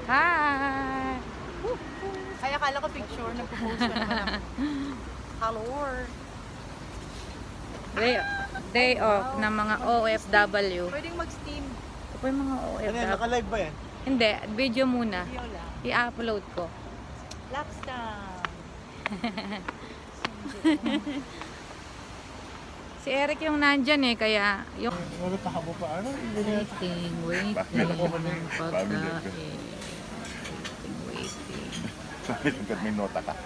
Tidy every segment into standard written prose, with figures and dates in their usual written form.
Hi! Ay, akala ko picture. Nag-post ka naman ako. Hello. Day off ng mga OFW. Pwedeng mag-steam. Ito po yung mga Ano yan? OFW. Naka-live ba yan? Hindi, video muna. Video lang. I-upload ko. Lockdown. Si Eric yung nandyan eh, kaya yung... Nagkakabo pa. Ano? Waiting. ng pagkain. Waiting. Sabi lang may nota ka.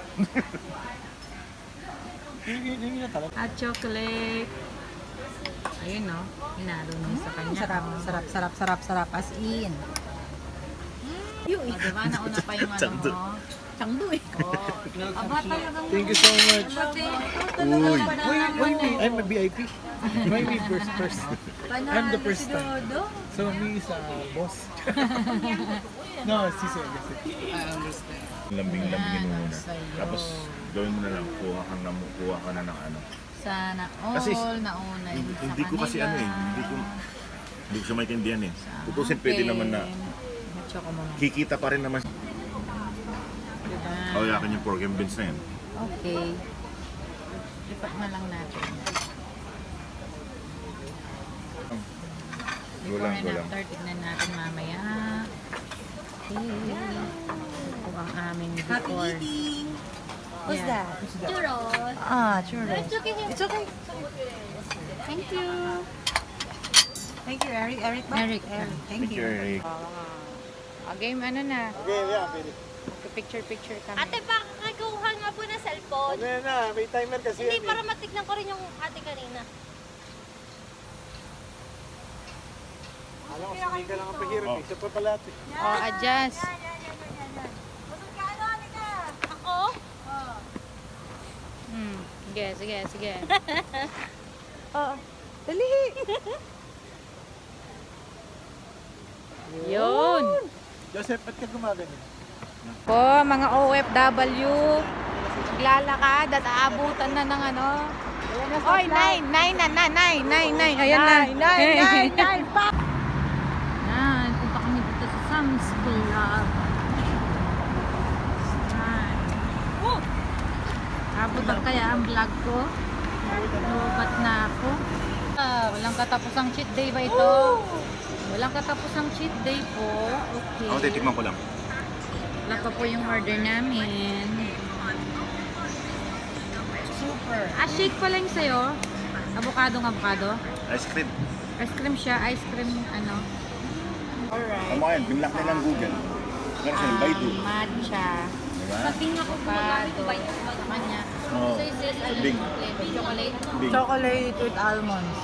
Yung na talaga. At chocolate. Ayun no, hinalo niya sa kanya. Sarap. As in. Oh, diba? Nauna pa yung ano mo. Changdu eh. Aba talagang... Thank you so much. Uy. I'm a VIP. Maybe first. I'm the first time. So me is boss. No, si Sir. I understand. Lambing-lambingin mo muna. Sa'yo. Tapos gawin mo na lang, kuha ka na ng ano. Sana all Kasi, nauna yun sa Hindi ko kasi kanila. hindi ko siya maintindihan eh. Tutusin pwede naman na Choco mo. kikita pa rin naman. Diba? Kawayakin yung pork and beans na yan. Okay. Lipat na lang natin. Before and Gulang. after, tignan natin mamaya. Okay. Ito ang aming Happy before. eating. What's Yeah. that? Churros. Churros. It's okay. It's okay. Thank you. Thank you, Eric. Eric ba? Eric. Thank you. Eric. Game ano na? Okay, yeah, pwede. Picture kami. Ate, pakakakuha nga po na cellphone. Ano yan na, may timer kasi Hindi, yan para matignan ko rin yung ate kanina. Alam ko, hindi ka lang ang pahirap. Isa pa pala ito. Oh, adjust. Ako? Sige. Dali. Yun. Joseph, ba't ka gumaganyan? Po, mga OFW, naglalakad at aabutan na ng ano. Oy, 9. Ayan na. 9. Yan, punta kami dito sa Sam's Club. Abutan kaya ang vlog ko. Lubat na ako. Walang katapusang cheat day ba ito? Walang katapusang cheat day po. Okay. Ako, titikman ko lang. Wala pa po yung order namin. Super. Shake pala yung sa'yo. Avocado. Ice cream. Ice cream siya. Ice cream ano. Alright. Tama yan, binlock na lang Google. Meron siya yung Baidu. Matcha. Diba? Sabihin ako gumagamit Avocado. ba yung Sa kanya. Oo. So is this ano, Big. chocolate? Big. Chocolate with almonds.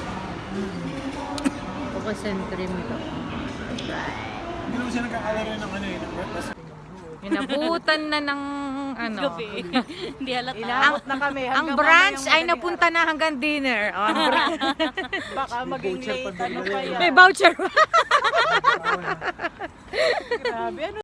Focus and cream to. Hindi naman siya nagkakalaro ng ano eh, ng breakfast. Inabutan na ng ano. Hindi halata. Inabot na kami. Ang brunch ay napunta na hanggang dinner. Oh, ang Baka maging late. Ano pa yan? May voucher. Grabe. Ano